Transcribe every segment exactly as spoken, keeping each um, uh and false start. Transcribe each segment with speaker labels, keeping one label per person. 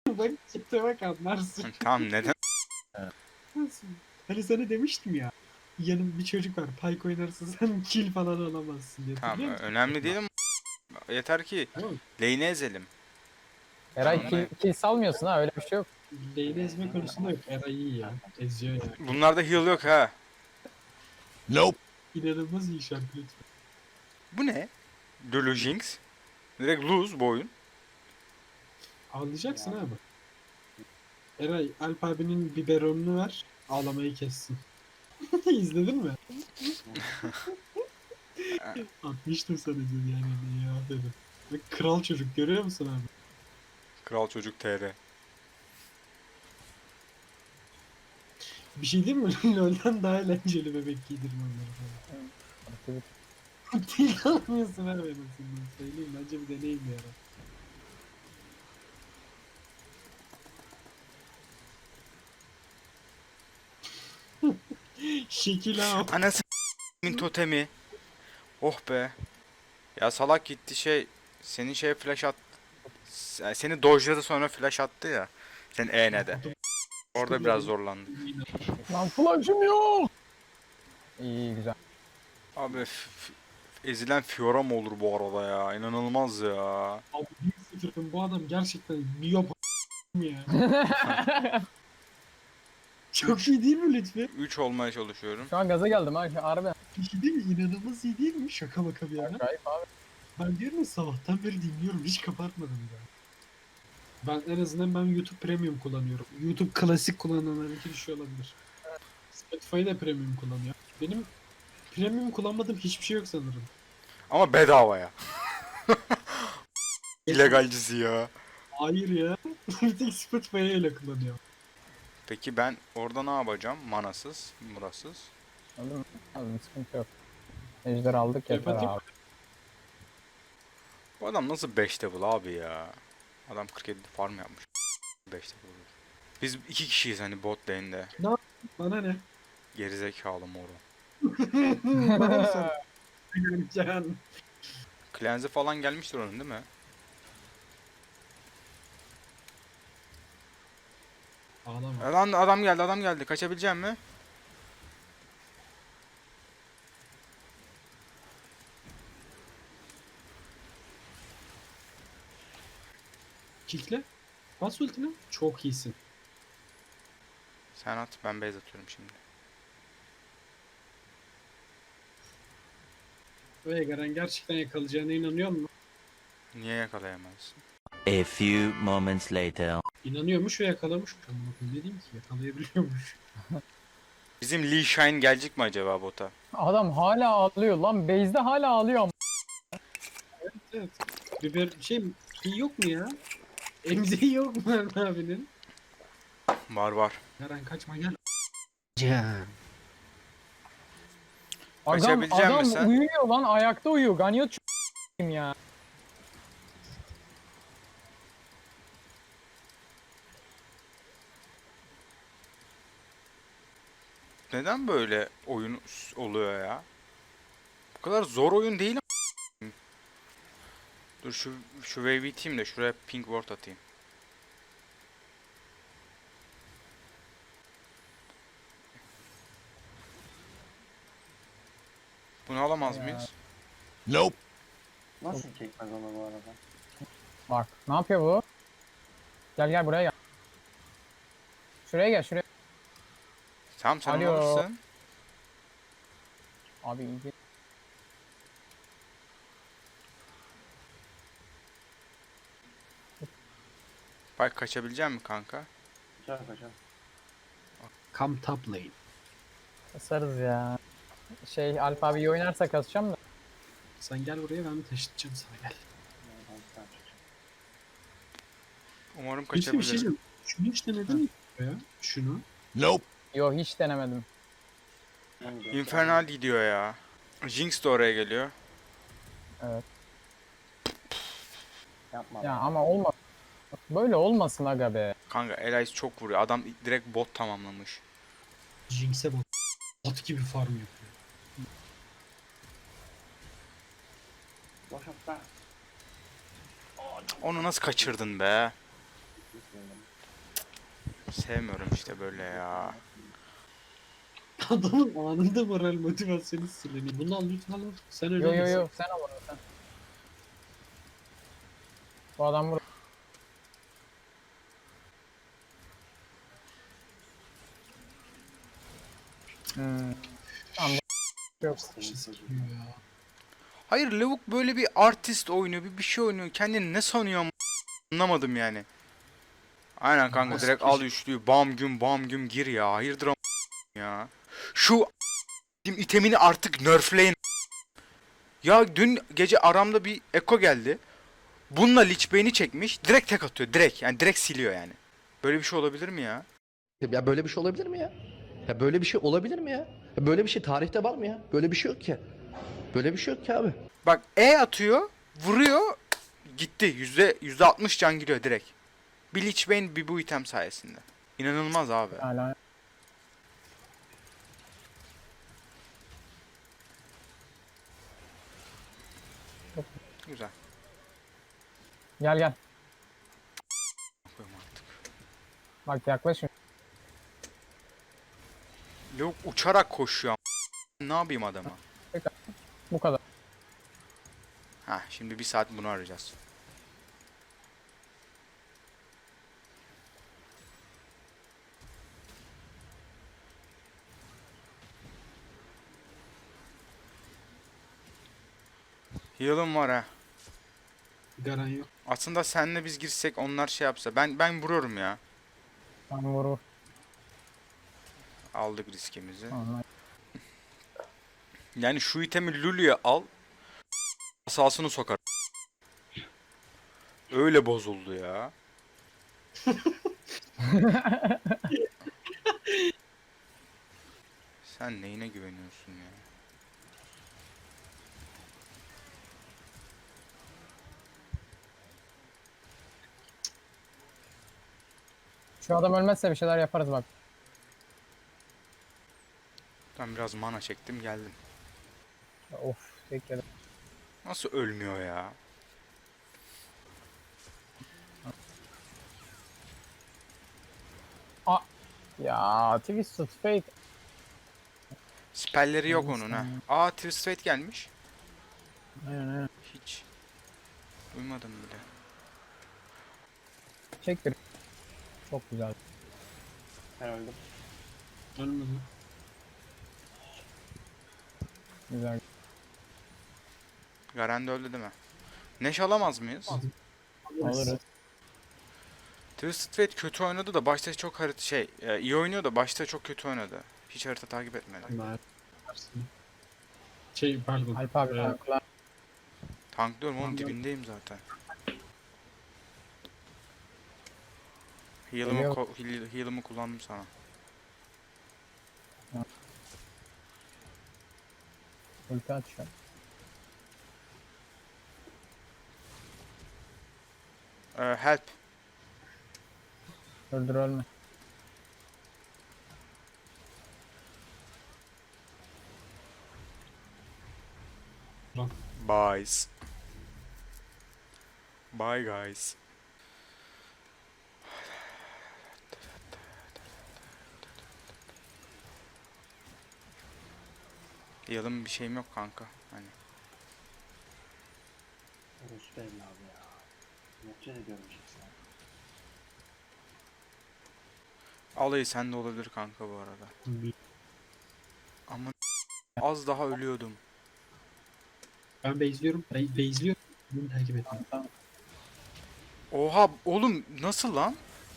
Speaker 1: Bak çıktı bak anlarsın.
Speaker 2: Tamam neden?
Speaker 1: Nasıl? Hani sana demiştim ya. Yanım bir çocuk var. Pike oynarsa sen kill falan alamazsın diye.
Speaker 2: Tamam
Speaker 1: Hatırlıyor musun?
Speaker 2: önemli değil ama yeter ki
Speaker 1: Tamam.
Speaker 2: lane'i ezelim. Ben
Speaker 3: Eray kill,
Speaker 2: ona...
Speaker 3: kill salmıyorsun ha, öyle bir şey yok.
Speaker 1: Lane'i ezme konusunda yok. Eray iyi ya. Eziyor ya.
Speaker 2: Bunlarda heal yok ha.
Speaker 4: Nope.
Speaker 1: İnanılmaz iyi şarkı lütfen.
Speaker 2: Bu ne? Lulu Jinx. Direkt lose bu oyun.
Speaker 1: Ağlayacaksın abi. Eray, Alp abinin biberonunu ver. Ağlamayı kessin. İzledin mi? Atmıştım sana dün yani ya dedim. Bak kral çocuk görüyor musun abi?
Speaker 2: Kral Çocuk T R.
Speaker 1: Bir şey diyeyim mi? LoL'den daha eğlenceli bebek giydirme onları falan. Değil almıyorsun abi en azından. Söyleyeyim bence bir deneyim bir ara. Şekil ha.
Speaker 2: Anası min totemi. Oh be. Ya salak gitti şey. Senin şey flash at. S- Seni dojladı sonra flash attı ya. Sen E ne de. Orada biraz zorlandı.
Speaker 3: Lan flash'ım yok. İyi güzel.
Speaker 2: Abi f- f- ezilen Fiora mı olur bu arada ya? İnanılmaz ya.
Speaker 1: Abi bir sıfırım bu adam gerçekten miyop ya. Çok iyi değil mi lütfen?
Speaker 2: üç olmaya çalışıyorum.
Speaker 3: Şu an gaza geldim ha. Harbi.
Speaker 1: Bir şey değil mi? İnanılmaz iyi değil mi? Şaka maka bir yana.
Speaker 3: Acayip abi.
Speaker 1: Ben diyorum ya sabahtan beri dinliyorum. Hiç kapatmadım ya. Ben en azından ben YouTube Premium kullanıyorum. YouTube klasik kullananların iki düşüyor olabilir. Spotify da Premium kullanıyor. Benim Premium kullanmadığım hiçbir şey yok sanırım.
Speaker 2: Ama bedava ya. İlegalcisi ya.
Speaker 1: Hayır ya. Bir tek Spotify'ı öyle kullanıyor.
Speaker 2: Peki ben orada ne yapacağım? Manasız, murasız.
Speaker 3: Anladın mı? Anladım, sıkıntı yok. Ejder aldık yeter
Speaker 1: Yapacak-
Speaker 3: abi.
Speaker 2: Bu adam nasıl beş level abi ya? Adam kırk yedi farm yapmış. beş level olur. Biz iki kişiyiz hani bot lane'de.
Speaker 1: Bana ne?
Speaker 2: Gerizekalı moru.
Speaker 1: Bana mı sor? Can.
Speaker 2: Cleanse falan gelmiştir onun değil mi?
Speaker 1: Ağlama.
Speaker 2: E Lan adam geldi adam geldi. Kaçabilecek mi?
Speaker 1: Kikle. Bas ultini. Çok iyisin.
Speaker 2: Sen at ben base atıyorum şimdi.
Speaker 1: Ve Garen gerçekten yakalayacağına inanıyor musun?
Speaker 2: Niye yakalayamazsın?
Speaker 4: A few moments later.
Speaker 1: İnanıyormuş ve yakalamış. Amına koyayım, ne diyeyim ki? Yakalayabiliyormuş.
Speaker 2: Bizim Lee Shine gelecek mi acaba bota?
Speaker 3: Adam hala ağlıyor lan. Base'de hala ağlıyor ama.
Speaker 1: Evet. Biber şey iyi yok mu ya? Emziği yok mu Eren abinin?
Speaker 2: Var var.
Speaker 1: Garen kaçma gel. Can.
Speaker 3: Adam,
Speaker 2: Kaçabilecek
Speaker 3: adam
Speaker 2: misin sen?
Speaker 3: uyuyor lan. Ayakta uyuyor. Ganyot ç***yim ya.
Speaker 2: Neden böyle oyun oluyor ya? Bu kadar zor oyun değil ama. Dur şu şu wave iteyim de şuraya pink ward atayım. Bunu alamaz
Speaker 3: Ya.
Speaker 2: mıyız?
Speaker 4: Nope.
Speaker 5: Nasıl çekmez onu bu arada?
Speaker 3: Bak ne yapıyor bu? Gel gel buraya gel. Şuraya gel şuraya.
Speaker 2: Tamam sen onu
Speaker 3: Alo.
Speaker 2: alırsın.
Speaker 3: Abi iyi.
Speaker 2: Bak kaçabilecek misin kanka?
Speaker 5: Kaçar kaçar.
Speaker 1: Come top lane.
Speaker 3: Kasarız ya. Şey Alp abi iyi oynarsa kasacağım da.
Speaker 1: Sen gel buraya ben taşıtacağım sana gel.
Speaker 5: Oradan sen çık.
Speaker 2: Umarım
Speaker 1: Peki bir şey
Speaker 2: kaçabilirim.
Speaker 1: diyeyim. Şunu hiç denedin mi ya? Şunu.
Speaker 4: Nope.
Speaker 3: Yo hiç denemedim.
Speaker 5: En güzel.
Speaker 2: Infernal gidiyor ya. Jinx de oraya geliyor.
Speaker 3: Evet.
Speaker 5: Yapma.
Speaker 3: Ya
Speaker 5: be.
Speaker 3: ama olmaz. Böyle olmasın aga be.
Speaker 2: Kanka Elias çok vuruyor. Adam direkt bot tamamlamış.
Speaker 1: Jinx'e bak. At gibi farm yapıyor.
Speaker 5: Boş at be.
Speaker 2: Onu nasıl kaçırdın be?
Speaker 5: gitmeyelim.
Speaker 2: Sevmiyorum işte böyle ya.
Speaker 1: Adamın anında moral motivasyonu siliniyor. Bunu al lütfen al. Sen öyle
Speaker 3: Yo yo
Speaker 1: değilsin.
Speaker 3: yo sen al onu sen. Bu adam burada. Hmm. Tamam bu yok.
Speaker 5: Senin
Speaker 1: Şey
Speaker 5: çocuğun.
Speaker 1: sıkıyor ya.
Speaker 2: Hayır lavuk böyle bir artist oynuyor, bir bir şey oynuyor. Kendini ne sanıyor am- anlamadım yani. Aynen kanka
Speaker 1: Nasıl
Speaker 2: direkt
Speaker 1: bir
Speaker 2: al
Speaker 1: şey?
Speaker 2: üçlüyü bam güm bam güm gir ya. Hayırdır am- ya. Şu itemini artık nerfleyin. Ya dün gece aramda bir Eko geldi. Bununla Lich Bey'ini çekmiş. Direkt tek atıyor. Direkt. Yani direkt siliyor yani. Böyle bir şey olabilir mi ya?
Speaker 6: Ya böyle bir şey olabilir mi ya? Ya böyle bir şey olabilir mi ya? Ya böyle bir şey tarihte var mı ya? Böyle bir şey yok ki. Böyle bir şey yok ki abi.
Speaker 2: Bak E atıyor. Vuruyor. Gitti. Yüzde, yüzde altmış can giriyor direkt. Bir Lich Bane bir bu item sayesinde. İnanılmaz abi.
Speaker 3: Hala.
Speaker 2: Güzel.
Speaker 3: Gel gel.
Speaker 2: Koyayım artık.
Speaker 3: Bak yaklaşın.
Speaker 2: Lavuk uçarak koşuyor. am- Ne yapayım adama?
Speaker 3: Bu kadar.
Speaker 2: Ha şimdi bir saat bunu arayacağız. Heal'ım var ha.
Speaker 1: Garan yok.
Speaker 2: Aslında senle biz girsek onlar şey yapsa. Ben ben vuruyorum ya.
Speaker 3: Tam vur vur.
Speaker 2: Aldık riskimizi.
Speaker 3: Tamam.
Speaker 2: Yani şu itemi Lulu'ya al. Asasını sokar. Öyle bozuldu ya. Sen neyine güveniyorsun ya?
Speaker 3: Şu adam ölmezse bir şeyler yaparız bak.
Speaker 2: Ben biraz mana çektim geldim.
Speaker 3: Of bekledim.
Speaker 2: Nasıl ölmüyor ya?
Speaker 3: Ya Twisted Fate.
Speaker 2: Spellleri yok
Speaker 3: Neyse
Speaker 2: onun ha.
Speaker 3: ya.
Speaker 2: Aa Twisted Fate gelmiş.
Speaker 3: Aynen aynen.
Speaker 2: Hiç. Duymadım bile.
Speaker 3: Çek bir. Çok güzel.
Speaker 5: Ben öldüm.
Speaker 1: Ölmedi.
Speaker 3: Güzel.
Speaker 2: Garen de öldü değil mi? Neş alamaz mıyız?
Speaker 3: Alırız.
Speaker 2: Twisted Fate kötü oynadı da başta çok harita şey e, iyi oynuyor da başta çok kötü oynadı. Hiç harita takip etmedi.
Speaker 1: Ben Şey pardon.
Speaker 3: Alp abi
Speaker 1: Ee,
Speaker 3: tankla.
Speaker 2: Tanklıyorum oğlum
Speaker 1: Anladım.
Speaker 2: dibindeyim zaten. Heal'ımı,
Speaker 3: Geliyor.
Speaker 2: ko- heal- heal'ımı kullandım sana.
Speaker 3: Ulti atıyor.
Speaker 2: Ee, help.
Speaker 3: Öldür ölme.
Speaker 2: Bye. Bye guys. Heal'ım bir şeyim yok kanka. Hani
Speaker 5: Orası belli abi ya. Nefret ediyorum işte.
Speaker 2: alayı sende olabilir kanka bu arada.
Speaker 1: bir-
Speaker 2: Ama az daha ölüyordum.
Speaker 1: Ben base'liyorum. Be base'liyorum. Bunu takip etme.
Speaker 3: Tamam.
Speaker 2: Oha oğlum nasıl lan?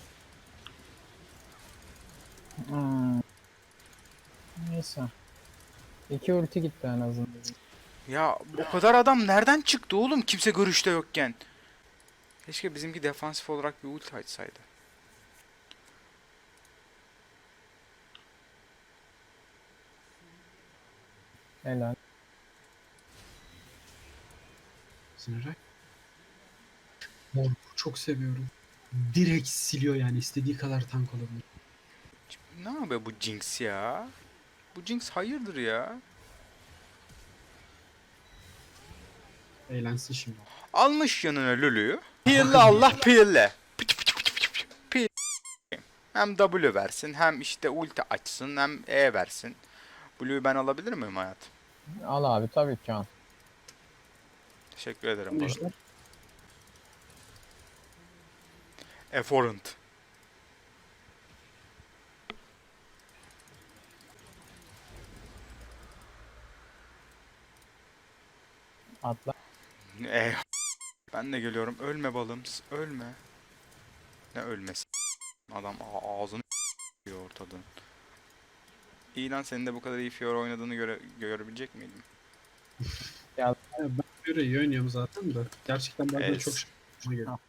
Speaker 3: Hmm. Neyse. İki ulti gitti en azından.
Speaker 2: Ya o kadar adam nereden çıktı oğlum kimse görüşte yokken? Keşke bizimki defansif olarak bir ulti açsaydı.
Speaker 3: Helal.
Speaker 1: Sinirak. Mor çok seviyorum. Direkt siliyor yani istediği kadar tank olabilir.
Speaker 2: Ne yapıyor bu Jinx ya? Bu Jinx hayırdır ya?
Speaker 1: Eğlensin şimdi.
Speaker 2: Almış yanına Lulu'yu. Pille Allah pille. Pıç pıç pıç pıç pıç. Hem W versin, hem işte ulti açsın, hem E versin. Blue'yu ben alabilir miyim hayatım?
Speaker 3: Al abi tabii ki al.
Speaker 2: Teşekkür ederim bu arada.
Speaker 1: Ejder.
Speaker 2: Efforent.
Speaker 3: Atla.
Speaker 2: E. Ben de geliyorum. Ölme balım. Ölme. Ne ölmesi? Adam a- ağzını yiyor ortadan. İyi lan, senin de bu kadar iyi Fiora oynadığını göre görebilecek miydim?
Speaker 1: Ya ben böyle iyi oynuyorum zaten de. Gerçekten bazen
Speaker 2: Evet.
Speaker 1: çok şaşırtıcı geliyor.